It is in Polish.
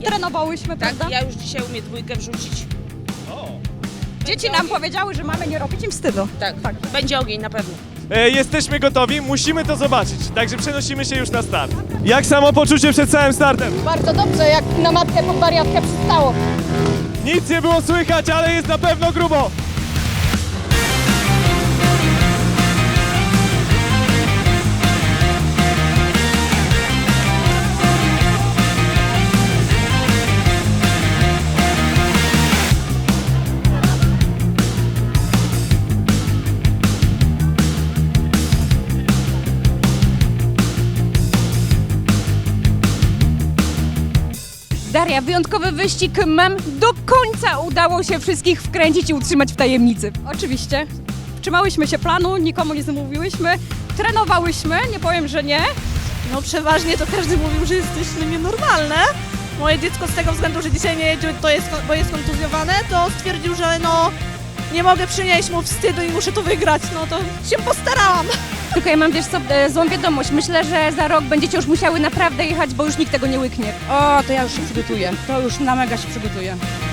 trenowałyśmy, Tak, prawda? ja już dzisiaj umiem dwójkę wrzucić. Dzieci nam powiedziały, że mamy nie robić im wstydu. Tak, będzie ogień na pewno. Jesteśmy gotowi, musimy to zobaczyć, także przenosimy się już na start. Jak samopoczucie przed całym startem? Bardzo dobrze, jak na matkę pod wariatkę przystało. Nic nie było słychać, ale jest na pewno grubo. Daria, wyjątkowy wyścig mam. Do końca udało się wszystkich wkręcić i utrzymać w tajemnicy. Oczywiście. Trzymałyśmy się planu, nikomu nie zamówiłyśmy. Trenowałyśmy, nie powiem, że nie. No przeważnie to każdy mówił, że jesteśmy nienormalne. Moje dziecko z tego względu, że dzisiaj nie jedzie, bo jest kontuzjowane, to stwierdził, że no nie mogę przynieść mu wstydu i muszę to wygrać. No to się postarałam. Tylko ja mam, wiesz co, złą wiadomość. Myślę, że za rok będziecie już musiały naprawdę jechać, bo już nikt tego nie łyknie. O, to ja już się przygotuję. To już na mega się przygotuję.